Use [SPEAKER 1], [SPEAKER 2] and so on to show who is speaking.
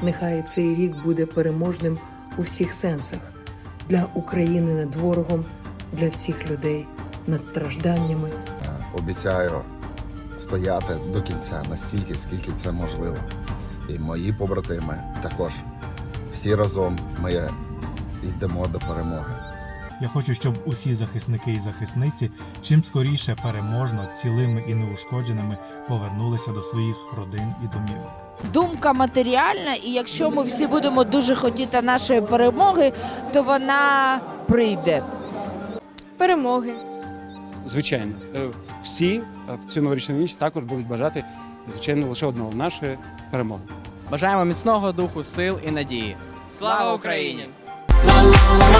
[SPEAKER 1] Нехай цей рік буде переможним у всіх сенсах для України над ворогом, для всіх людей над стражданнями.
[SPEAKER 2] Обіцяю стояти до кінця настільки, скільки це можливо. І мої побратими також. Всі разом ми йдемо до перемоги.
[SPEAKER 3] Я хочу, щоб усі захисники і захисниці чим скоріше переможно, цілими і неушкодженими повернулися до своїх родин і домівок.
[SPEAKER 4] Думка матеріальна, і якщо ми всі будемо дуже хотіти нашої перемоги, то вона прийде.
[SPEAKER 5] Перемоги.
[SPEAKER 6] Звичайно, всі в цю новорічну ніч також будуть бажати, звичайно, лише одного – нашої перемоги.
[SPEAKER 7] Бажаємо міцного духу, сил і надії.
[SPEAKER 5] Слава Україні!
[SPEAKER 8] La la la la